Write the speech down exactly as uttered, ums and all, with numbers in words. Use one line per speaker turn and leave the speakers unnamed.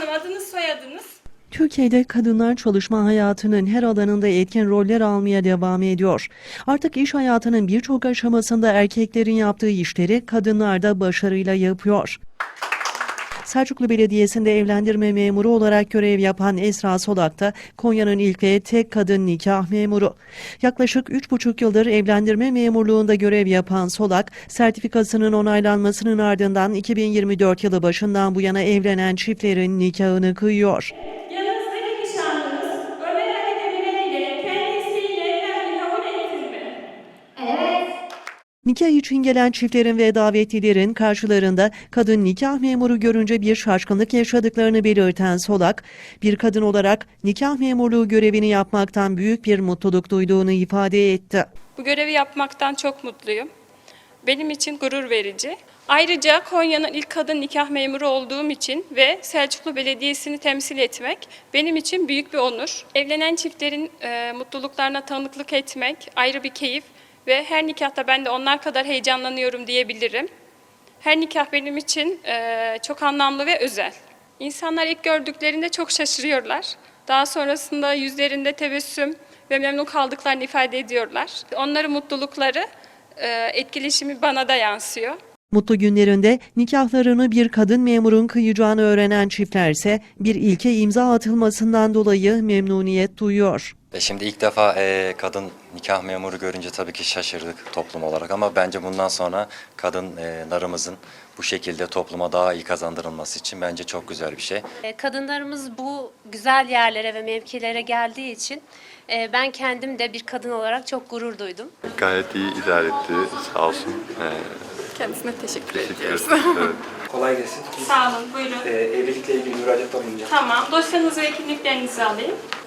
Hanım, adınız soyadınız?
Türkiye'de kadınlar çalışma hayatının her alanında etkin roller almaya devam ediyor. Artık iş hayatının birçok aşamasında erkeklerin yaptığı işleri kadınlar da başarıyla yapıyor. Selçuklu Belediyesi'nde evlendirme memuru olarak görev yapan Esra Solak da Konya'nın ilk ve tek kadın nikah memuru. Yaklaşık üç buçuk yıldır evlendirme memurluğunda görev yapan Solak, sertifikasının onaylanmasının ardından iki bin yirmi dört yılı başından bu yana evlenen çiftlerin nikahını kıyıyor.
Yanınızdaki nişanlınız Ömer Ali Demirel ile kendi isteğiyle evlenmeyi kabul etti mi?
Evet.
Nikah için gelen çiftlerin ve davetlilerin karşılarında kadın nikah memuru görünce bir şaşkınlık yaşadıklarını belirten Solak, bir kadın olarak nikah memurluğu görevini yapmaktan büyük bir mutluluk duyduğunu ifade etti.
Bu görevi yapmaktan çok mutluyum. Benim için gurur verici. Ayrıca Konya'nın ilk kadın nikah memuru olduğum için ve Selçuklu Belediyesi'ni temsil etmek benim için büyük bir onur. Evlenen çiftlerin e, mutluluklarına tanıklık etmek ayrı bir keyif ve her nikahta ben de onlar kadar heyecanlanıyorum diyebilirim. Her nikah benim için e, çok anlamlı ve özel. İnsanlar ilk gördüklerinde çok şaşırıyorlar. Daha sonrasında yüzlerinde tebessüm ve memnun kaldıklarını ifade ediyorlar. Onların mutlulukları, e, etkileşimi bana da yansıyor.
Mutlu günlerinde nikahlarını bir kadın memurun kıyacağını öğrenen çiftlerse bir ilke imza atılmasından dolayı memnuniyet duyuyor.
E Şimdi ilk defa e, kadın nikah memuru görünce tabii ki şaşırdık toplum olarak ama bence bundan sonra kadınlarımızın bu şekilde topluma daha iyi kazandırılması için bence çok güzel bir şey.
Kadınlarımız bu güzel yerlere ve mevkilere geldiği için e, ben kendim de bir kadın olarak çok gurur duydum.
Gayet iyi idare etti, sağ olsun. Ee,
Kendisine teşekkür,
teşekkür
ediyoruz.
ederim. Evet.
Kolay gelsin.
Sağ olun, buyurun.
Ee, evlilikle ilgili müracaatta bulunacağım.
Tamam, dosyanızı ve kimliklerinizi alayım.